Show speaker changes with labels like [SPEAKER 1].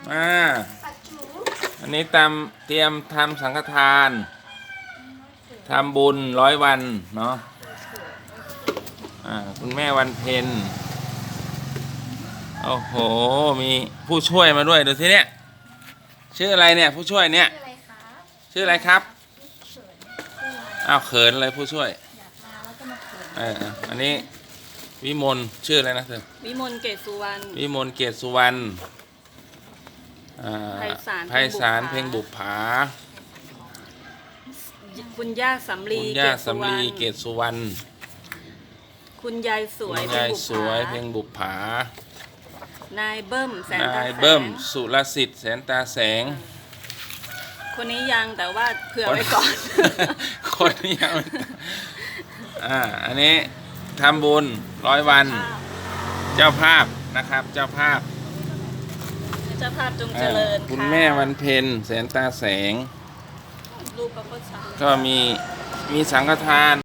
[SPEAKER 1] อันนี้เตรียมทำสังฆทานทำบุญ100 วันเนาะคุณแม่วันเพ็ญโอ้โหมีผู้ช่วยมาด้วยดูทีเนี้ยชื่ออะไรเนี่ยผู้ช่วยเนี่ยชื่ออะไรครับอ้าวเขินอะไรผู้ช่วยอันนี้วิมลชื่ออะไรนะเธอ
[SPEAKER 2] วิมลเกศสุวรรณ
[SPEAKER 1] วิมลเกศสุวรรณไพศาลเพ็งบุปผา
[SPEAKER 2] คุณย่าสำลี
[SPEAKER 1] เกศสุวรรณ
[SPEAKER 2] คุณยายสวย
[SPEAKER 1] เพ็งบุปผาน
[SPEAKER 2] ายเบิ้ม
[SPEAKER 1] สุรสิทธิ์แสนตาแสง
[SPEAKER 2] คนนี้ยังแต่ว่าเผื่อไว้ก่อน
[SPEAKER 1] คนนี้ยังอันนี้ทำบุญ100 วันเจ้าภาพนะครับเจ้าภาพ
[SPEAKER 2] จงเจริญ
[SPEAKER 1] คุณแม่วันเพ็ญแสนตาแสงก็มีสังฆทาน